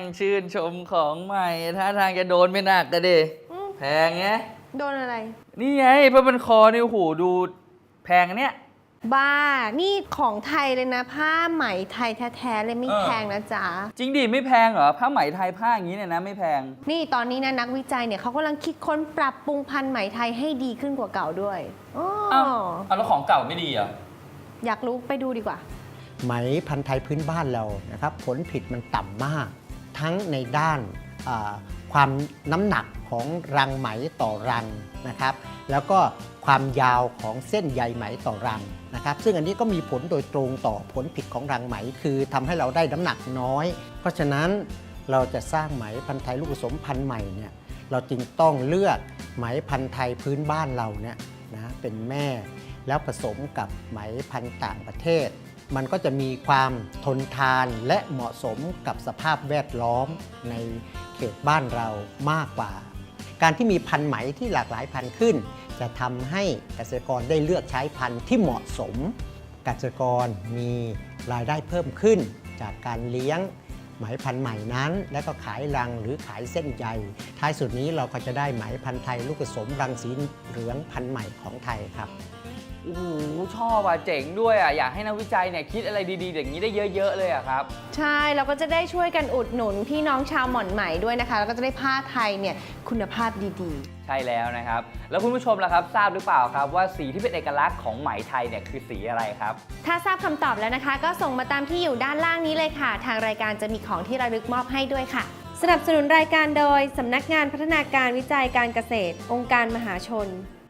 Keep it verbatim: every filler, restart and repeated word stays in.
ชื่นชมของใหม่ท่าทางจะโดนไม่หนักกันดิแพงไงโดนอะไรนี่ไงเพราะมันคอนี่โอ้โหดูแพงอันเนี้ยบ้านี่ของไทยเลยนะผ้าไหมไทยแท้ๆเลยไม่แพงนะจ๊ะจริงดิไม่แพงเหรอผ้าไหมไทยผ้าอย่างนี้เนี่ยนะไม่แพงนี่ตอนนี้นะนักวิจัยเนี่ยเขากำลังคิดค้นปรับปรุงพันธุ์ไหมไทยให้ดีขึ้นกว่าเก่าด้วยอ๋อเอาแล้วของเก่าไม่ดีเหรออยากรู้ไปดูดีกว่าไหมพันธุ์ไทยพื้นบ้านเรานะครับผลผลิตมันต่ำมากทั้งในด้านความน้ำหนักของรังไหมต่อรังนะครับแล้วก็ความยาวของเส้นใยไหมต่อรังนะครับซึ่งอันนี้ก็มีผลโดยตรงต่อผลผลิตของรังไหมคือทำให้เราได้น้ำหนักน้อยเพราะฉะนั้นเราจะสร้างไหมพันธุ์ไทยลูกผสมพันธุ์ใหม่เนี่ยเราจึงต้องเลือกไหมพันธุ์ไทยพื้นบ้านเราเนี่ยนะเป็นแม่แล้วผสมกับไหมพันธุ์ต่างประเทศมันก็จะมีความทนทานและเหมาะสมกับสภาพแวดล้อมในเขตบ้านเรามากกว่าการที่มีพันธุ์ไหมที่หลากหลายพันธุ์ขึ้นจะทำให้เกษตรกรได้เลือกใช้พันธุ์ที่เหมาะสมเกษตรกรมีรายได้เพิ่มขึ้นจากการเลี้ยงไหมพันธุ์ใหม่นั้นและก็ขายรังหรือขายเส้นใยท้ายสุดนี้เราก็จะได้ไหมพันธุ์ไทยลูกผสมรังสีเหลืองพันธุ์ใหม่ของไทยครับโอ้โหชอบอ่ะเจ๋งด้วยอ่ะอยากให้นักวิจัยเนี่ยคิดอะไรดีๆอย่างนี้ได้เยอะๆเลยอ่ะครับใช่เราก็จะได้ช่วยกันอุดหนุนพี่น้องชาวหม่อนไหมด้วยนะคะแล้วก็จะได้ผ้าไทยเนี่ยคุณภาพดีๆใช่แล้วนะครับแล้วคุณผู้ชมล่ะครับทราบหรือเปล่าครับว่าสีที่เป็นเอกลักษณ์ของไหมไทยเนี่ยคือสีอะไรครับถ้าทราบคำตอบแล้วนะคะก็ส่งมาตามที่อยู่ด้านล่างนี้เลยค่ะทางรายการจะมีของที่ระลึกมอบให้ด้วยค่ะสนับสนุนรายการโดยสำนักงานพัฒนาการวิจัยการเกษตรองค์การมหาชน